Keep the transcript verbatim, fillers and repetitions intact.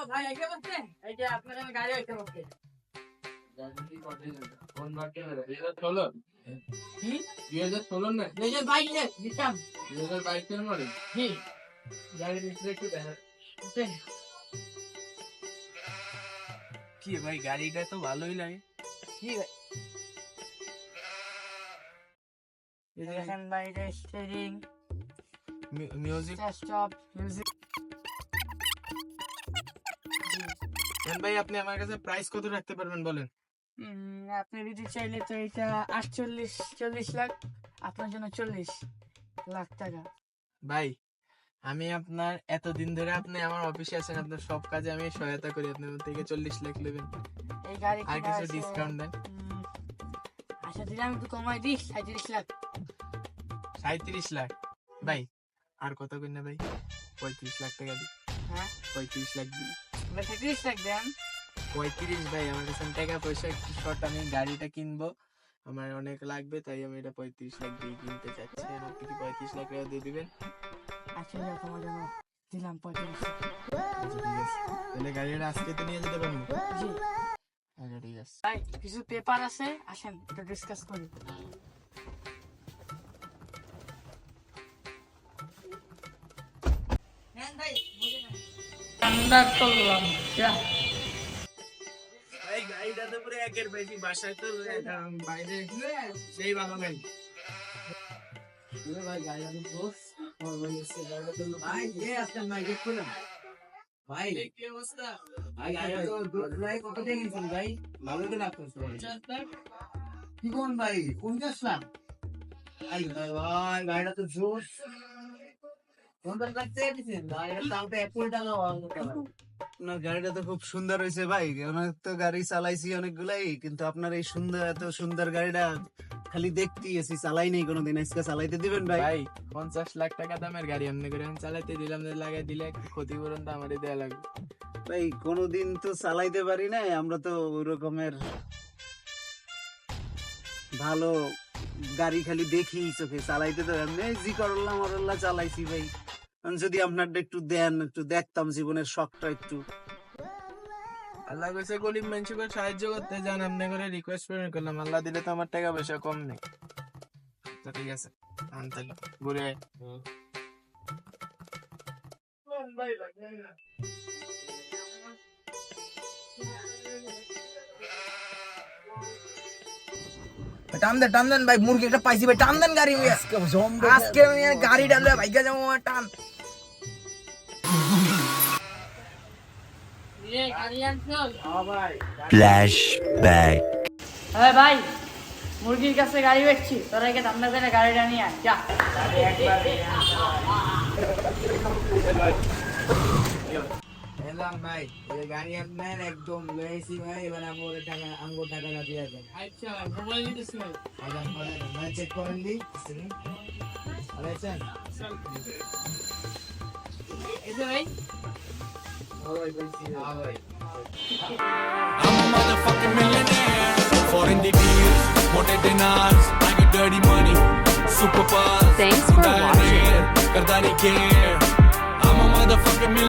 ভাই একে বসতে এই যে আপনার আমি গাড়ি এসে বসতে কোন বাকি দুই হাজার ষোলো কি দুই হাজার ষোলো না এই যে বাইক নে দিতাম দুই হাজার বাইশ এর মডেল জি গাড়ির ডিসপ্লে একটু দেখা কি ভাই গাড়িটা তো ভালোই লাগে। জি ভাই দেখেন ভাই এটা স্টিয়ারিং মিউজিক স্টপ মিউজিক ভাই আপনি আমার কাছে প্রাইস কত রাখতে পারবেন বলেন। আপনি যদি চাইলে তো এটা আটচল্লিশ চল্লিশ লাখ আপনার জন্য চল্লিশ লাখ টাকা। ভাই আমি আপনার এতদিন ধরে আপনি আমার অফিসে আছেন, আপনার সব কাজে আমি সহায়তা করি, আপনার থেকে চল্লিশ লাখ নেবেন, এই গাড়ি আর কিছু ডিসকাউন্ট দেন। আচ্ছা দিলে আমি একটু কমাই দিই সাঁত্রিশ লাখ সাঁত্রিশ লাখ ভাই আর কত করি না ভাই, পঁয়ত্রিশ লাখ টাকা দিই। হ্যাঁ পঁয়ত্রিশ লাখ দিই, সাঁত্রিশ লাখ দেন। পঁয়ত্রিশ ভাই আমার কাছে টাকা পয়সা একটু শর্ট, আমি গাড়িটা কিনবো, আমার অনেক লাগবে, তাই আমি এটা পঁয়ত্রিশ লাখ দিয়ে কিনতে চাচ্ছি। আর আপনি কি পঁয়ত্রিশ লাখ টাকা দিয়ে দিবেন? আচ্ছা তোমার জন্য দিলাম পঁয়ত্রিশ লাখ। আচ্ছা ঠিক আছে, তাহলে গাড়িটা আজকে তো নিয়ে যেতে পারবো? জি আচ্ছা ঠিক আছে। ভাই কিছু পেপার আছে আসেন একটু ডিসকাস করি। ঠান্ডা করলাম ভাই গাড়িটা তো পুরো একের বেশি, বাসায় তো বাইরে সেই ভালো গাড়ি। ভাই গাড়িটা তো বস গাড়িটা তো ভাই এ আসেন ভাই দেখুন ভাই কি অবস্থা ভাই গাড়িটা তো ভাই কত টাকা নিছেন ভাই ভালো তো লাগতেছে কি কোন ভাই পঞ্চাশ লাখ ভাই ভাই গাড়িটা তো জোস পঞ্চাশ লাখ টাকা দিছেন গাড়িটার দাম তো এক কোটি টাকা আপনার গাড়িটা তো খুব সুন্দর হয়েছে ভাই, অনেক তো গাড়ি চালাইছি অনেকগুলাই, কিন্তু আপনার এই সুন্দর এত সুন্দর গাড়িটা খালি দেখতেই এসি, চালাই নেই কোনোদিন, আজকে চালাইতে দিবেন ভাই? ভাই পঞ্চাশ লাখ টাকা দামের গাড়ি এমনি করে আমি চালাইতে দিলাম, লাগাই দিলে একটু ক্ষতিপূরণ তো আমারই দেওয়া লাগবে। ভাই কোনোদিন তো চালাইতে পারি নাই, আমরা তো ওই রকমের ভালো গাড়ি খালি দেখি চোখে, চালাইতে তো এমনি জি করল্লা মরল্লা চালাইছি ভাই। যদি আপনারটা একটু দেন, একটু দেখতাম জীবনের শখটা একটু। আল্লাহ কইছে গরিব মানুষকে সাহায্য করতে যান, এমনি করে রিকোয়েস্ট করে করলাম, আল্লাহ দিলে তো আমার টাকা পয়সা কম নেই। তো ঠিক আছে আনতে ঘুরে আয়। টান দেন টান দেন ভাই, মুরগি একটা পাইছি ভাই, টান দেন গাড়ি। আজকে আমি গাড়ি ডালবে ভাইগা যাবো, টান। ফ্ল্যাশব্যাক। হ্যাঁ ভাই মুরগির কাছে গাড়ি বেচছি, তোরা একে ঠান্ডা করে গাড়িটা নিয়ে আয় যা। এলাম ভাই, এই গাড়ি আপনার একদম লয়েছি ভাই, এবার আমার টাকা আঙ্গুর টাকাটা দিয়ে দেন। আচ্ছা মোবাইল নিতেছি ভাই। আদান করেন, মানে চেক করেন দি আলাইছেন। এই যে ভাই I'm a motherfucking millionaire. Foreign the deals, motor dinars, I get dirty money, super fast. Thanks for watching. Kardani care. I'm a motherfucking millionaire.